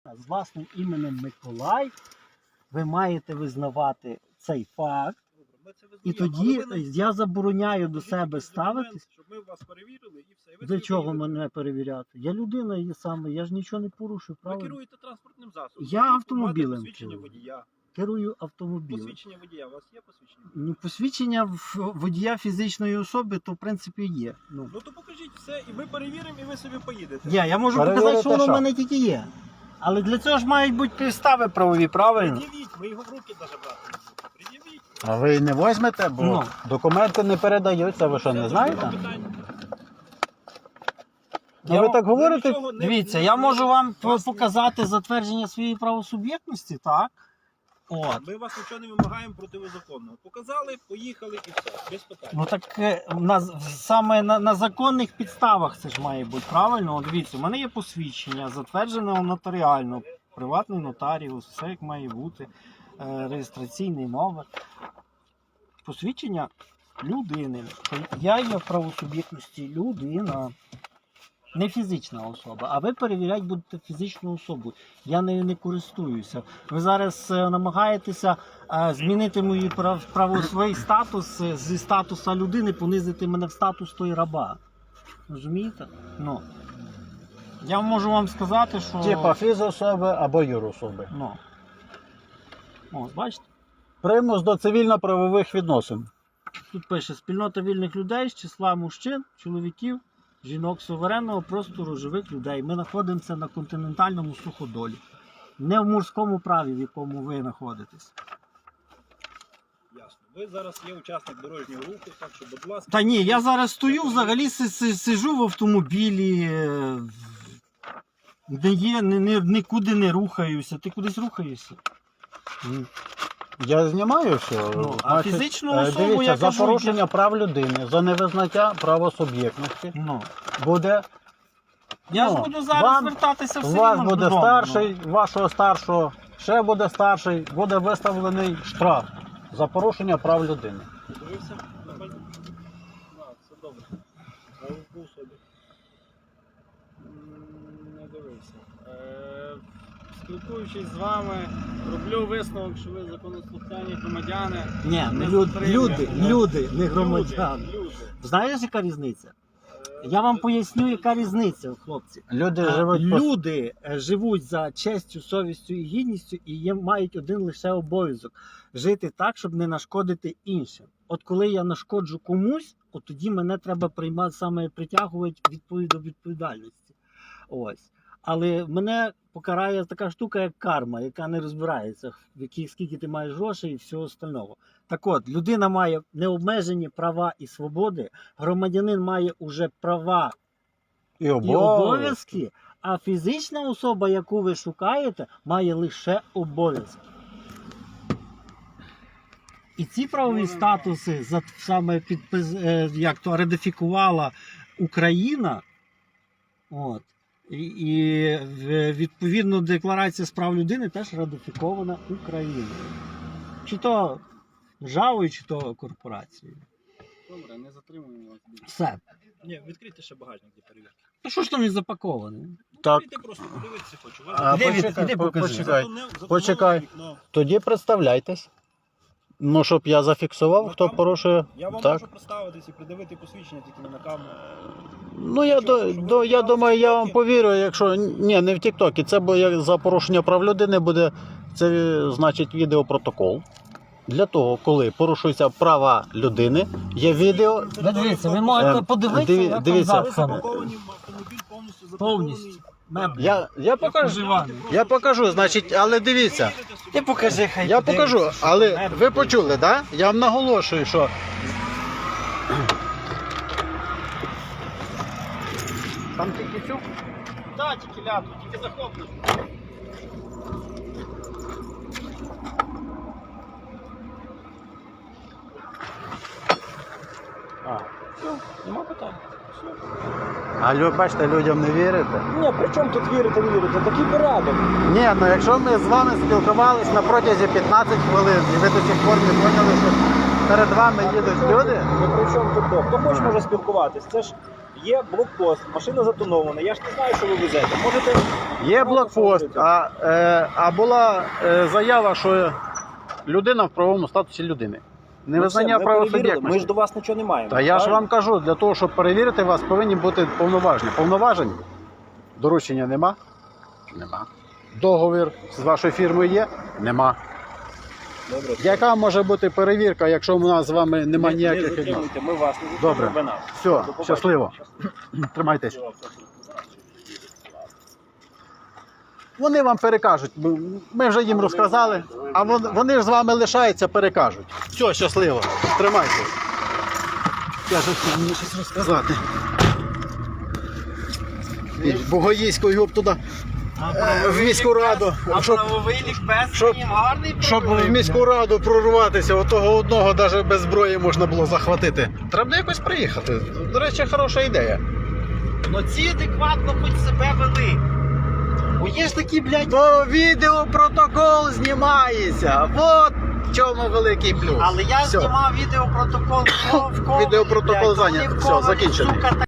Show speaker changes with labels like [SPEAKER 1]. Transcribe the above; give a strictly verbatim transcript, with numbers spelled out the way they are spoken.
[SPEAKER 1] З власним іменем Миколай ви маєте визнавати цей факт. І тоді я забороняю до себе ставитись.
[SPEAKER 2] Щоб ми вас перевірили і все. І ви
[SPEAKER 1] Для
[SPEAKER 2] собі
[SPEAKER 1] чого
[SPEAKER 2] поїдете.
[SPEAKER 1] мене перевіряти? Я людина є саме, я ж нічого не порушую,
[SPEAKER 2] Ви
[SPEAKER 1] правильно?
[SPEAKER 2] керуєте транспортним засобом.
[SPEAKER 1] Я
[SPEAKER 2] Ви
[SPEAKER 1] автомобілем
[SPEAKER 2] маєте Посвідчення
[SPEAKER 1] керую.
[SPEAKER 2] водія.
[SPEAKER 1] Керую автомобілем.
[SPEAKER 2] Посвідчення водія. У вас є посвідчення?
[SPEAKER 1] Ну, посвідчення в- водія фізичної особи, то в принципі є. Ну,
[SPEAKER 2] Ну то покажіть все, і ми перевіримо, і ви собі поїдете.
[SPEAKER 1] я, я можу
[SPEAKER 3] Перевірити
[SPEAKER 1] показати, що воно в
[SPEAKER 3] що?
[SPEAKER 1] мене тільки є. Але для цього ж мають бути підстави правові, правильно?
[SPEAKER 2] Пред'явіть, ми його в руки навіть брати не будемо. Пред'явіть.
[SPEAKER 3] А ви не візьмете, бо
[SPEAKER 1] Ну.
[SPEAKER 3] документи не передаються, ви що, не
[SPEAKER 2] Це
[SPEAKER 3] знаєте?
[SPEAKER 2] друге питання.
[SPEAKER 3] Ну ви так
[SPEAKER 2] Ви
[SPEAKER 3] говорите?
[SPEAKER 2] нічого не-
[SPEAKER 1] Дивіться,
[SPEAKER 2] не-
[SPEAKER 1] я можу вам
[SPEAKER 2] вас-
[SPEAKER 1] показати затвердження своєї правосуб'єктності, так? От.
[SPEAKER 2] Ми вас нічого не вимагаємо протизаконного. Показали, поїхали і все. Без питань.
[SPEAKER 1] Ну так е, на, саме на, на законних підставах це ж має бути, правильно? От дивіться, у мене є посвідчення, затверджене нотаріально, приватний нотаріус, все як має бути, е, реєстраційний номер. Посвідчення людини. Я є в правосуб'єктності людина. Не фізична особа, а ви перевіряти будете фізичну особу. Я нею не користуюся. Ви зараз е, намагаєтеся е, змінити мої прав, право, свій статус е, зі статуса людини, понизити мене в статус той раба. Розумієте? Ну. Я можу вам сказати, що...
[SPEAKER 3] Типа фізособи або юрособи.
[SPEAKER 1] Ну. Ось, бачите?
[SPEAKER 3] Примус до цивільно-правових відносин.
[SPEAKER 1] Тут пише спільнота вільних людей з числа мужчин, чоловіків, жінок суверенного простору живих людей. Ми знаходимося на континентальному суходолі. Не в морському праві, в якому ви знаходитесь.
[SPEAKER 2] Ясно. Ви зараз є учасник дорожнього руху, так що, будь ласка.
[SPEAKER 1] Та ні, я зараз стою, взагалі си- си- сижу в автомобілі, е, не є, не, не, нікуди не рухаюся. Ти кудись рухаєшся? Ні.
[SPEAKER 3] Я знімаю все.
[SPEAKER 1] Ну, а
[SPEAKER 3] Значить,
[SPEAKER 1] фізичну
[SPEAKER 3] е,
[SPEAKER 1] особу,
[SPEAKER 3] дивіться,
[SPEAKER 1] я
[SPEAKER 3] за
[SPEAKER 1] кажу,
[SPEAKER 3] порушення
[SPEAKER 1] я-
[SPEAKER 3] прав людини, за невизнаття правосуб'єктності
[SPEAKER 1] Ну.
[SPEAKER 3] буде,
[SPEAKER 1] Я
[SPEAKER 3] Ну,
[SPEAKER 1] ж буду зараз
[SPEAKER 3] вам-
[SPEAKER 1] звертатися
[SPEAKER 3] у
[SPEAKER 1] все
[SPEAKER 3] вас
[SPEAKER 1] рівно
[SPEAKER 3] буде
[SPEAKER 1] додому,
[SPEAKER 3] старший, вашого старшого, ще буде старший, буде виставлений штраф за порушення прав людини.
[SPEAKER 2] Дивився? Нормально? Так, все добре. А у собі? М, Не дивився. Е, Спілкуючись з вами, роблю висновок, що ви законослухняні громадяни.
[SPEAKER 1] Ну. Ні,
[SPEAKER 2] Не
[SPEAKER 1] не люд,
[SPEAKER 2] затримуємо.
[SPEAKER 1] люди, люди, не громадяни.
[SPEAKER 2] Люди, люди.
[SPEAKER 1] Знаєш, яка різниця?
[SPEAKER 2] Е,
[SPEAKER 1] Я вам поясню, яка різниця, хлопці.
[SPEAKER 3] Люди
[SPEAKER 1] Е,
[SPEAKER 3] живуть по...
[SPEAKER 1] Люди е, живуть за честю, совістю і гідністю і є, мають один лише обов'язок – жити так, щоб не нашкодити іншим. От коли я нашкоджу комусь, от тоді мене треба приймати, саме притягувати відповідь до відповідальності. Ось. Але мене покарає така штука, як карма, яка не розбирається, в яких, скільки ти маєш грошей і всього остального. Так от, людина має необмежені права і свободи, громадянин має уже права
[SPEAKER 3] і
[SPEAKER 1] і
[SPEAKER 3] обов'язки.
[SPEAKER 1] обов'язки, а фізична особа, яку ви шукаєте, має лише обов'язки. І ці правові статуси за- саме підпис, е, як то ратифікувала Україна, от, і, і в- відповідно Декларація з прав людини теж ратифікована Україною. Чи то державою, чи то корпорацією.
[SPEAKER 2] Добре, не затримуємо вас більше.
[SPEAKER 1] Все.
[SPEAKER 2] Ні, відкрийте ще багажник для перевірки.
[SPEAKER 1] Ну що ж там не запаковане?
[SPEAKER 3] Так.
[SPEAKER 2] Відкрийте просто, подивитися хочу.
[SPEAKER 3] А,
[SPEAKER 1] Іди від-
[SPEAKER 3] почекай,
[SPEAKER 1] іди
[SPEAKER 3] по-
[SPEAKER 1] покажи.
[SPEAKER 3] почекай.
[SPEAKER 2] Затоне- затонуло
[SPEAKER 3] почекай.
[SPEAKER 2] вікно.
[SPEAKER 3] Тоді представляйтесь. Ну, щоб я зафіксував,
[SPEAKER 2] На
[SPEAKER 3] хто
[SPEAKER 2] камеру?
[SPEAKER 3] порушує.
[SPEAKER 2] Я вам
[SPEAKER 3] Так.
[SPEAKER 2] можу представитись і придивити посвідчення тільки не на камеру.
[SPEAKER 3] Ну, я,
[SPEAKER 2] Що,
[SPEAKER 3] до,
[SPEAKER 2] що ви
[SPEAKER 3] до, я
[SPEAKER 2] показали
[SPEAKER 3] думаю, я вам
[SPEAKER 2] TikTok?
[SPEAKER 3] повірю, якщо. Ні, не в Тіктокі. Це бо як за порушення прав людини буде, це значить відеопротокол. Для того, коли порушуються права людини, є відео.
[SPEAKER 1] Ви дивіться, ви
[SPEAKER 3] Е,
[SPEAKER 1] можете подивитися,
[SPEAKER 3] диві-
[SPEAKER 1] як там
[SPEAKER 3] дивіться.
[SPEAKER 2] Ви
[SPEAKER 1] запхано.
[SPEAKER 2] запаковані в автомобіль повністю запакований.
[SPEAKER 1] Повністю. Меблі.
[SPEAKER 3] Я, я покажу.
[SPEAKER 1] Вживаний.
[SPEAKER 3] Я покажу, значить, але дивіться.
[SPEAKER 1] Ти покажи, хай
[SPEAKER 3] Я
[SPEAKER 1] подивиться,
[SPEAKER 3] покажу,
[SPEAKER 1] що
[SPEAKER 3] але
[SPEAKER 1] там
[SPEAKER 3] ви
[SPEAKER 1] меблі.
[SPEAKER 3] почули, так? Да? Я вам наголошую, що
[SPEAKER 1] Там тільки цю? Так, тільки ляду, тільки захоплюєш.
[SPEAKER 3] А.
[SPEAKER 1] Все, нема питань. Все.
[SPEAKER 3] А лю- бачите, людям не вірите.
[SPEAKER 2] Ні, при чому тут вірити, не вірити? Такий порядок.
[SPEAKER 3] Ні, ну якщо ми з вами спілкувалися на протязі п'ятнадцять хвилин, і ви до сих пор не поняли, що перед вами їдуть люди.
[SPEAKER 2] Ну при чому тут Бог? Хто хоче може спілкуватись? Це ж
[SPEAKER 4] є блокпост, машина затонована, я ж не знаю, що ви везете. Можете...
[SPEAKER 3] Є блокпост, а, е, а була е, заява, що людина в правовому статусі людини. Невизнання
[SPEAKER 4] Ну, все, ми перевірили,
[SPEAKER 3] правосуб'єктності.
[SPEAKER 4] ми ж до вас нічого не маємо.
[SPEAKER 3] Та я ж
[SPEAKER 4] правильно?
[SPEAKER 3] вам кажу, для того, щоб перевірити вас, повинні бути повноваження. Повноважень? Доручення нема? Нема. Договір з вашою фірмою є? Нема.
[SPEAKER 4] Добре.
[SPEAKER 3] Яка може бути перевірка, якщо у нас з вами
[SPEAKER 4] Не-
[SPEAKER 3] немає
[SPEAKER 4] не
[SPEAKER 3] ніяких відносин?
[SPEAKER 4] затримуйте, ми вас не
[SPEAKER 3] Добре.
[SPEAKER 4] затримуємо, ви нас.
[SPEAKER 3] Все,
[SPEAKER 4] До побачення.
[SPEAKER 3] щасливо. Тримайтесь. Вони вам перекажуть. бо Ми вже їм розказали, а вон- вони ж з вами лишаються, перекажуть. Все, щасливо. Тримайтесь. Я ж хотів мені щось розказати. Богоїською б туди е, в міську раду.
[SPEAKER 2] А
[SPEAKER 3] Щоб,
[SPEAKER 2] правовий лікбез
[SPEAKER 3] щоб-
[SPEAKER 2] він гарний
[SPEAKER 3] щоб
[SPEAKER 2] правовий.
[SPEAKER 3] в міську раду прорватися, отого одного навіть без зброї можна було захватити. Треба якось приїхати. До речі, хороша ідея.
[SPEAKER 2] Ну ці адекватно хоч себе вели. Бо є ж такі, блядь,
[SPEAKER 3] Бо відеопротокол знімається. От в чому великий плюс.
[SPEAKER 2] але я
[SPEAKER 3] Все.
[SPEAKER 2] знімав відеопротокол в кого, в кого,
[SPEAKER 3] Відеопротокол
[SPEAKER 2] блядь,
[SPEAKER 3] зайнятий.
[SPEAKER 2] вони в
[SPEAKER 3] Все,
[SPEAKER 2] кого,
[SPEAKER 3] закінчений.
[SPEAKER 2] сука,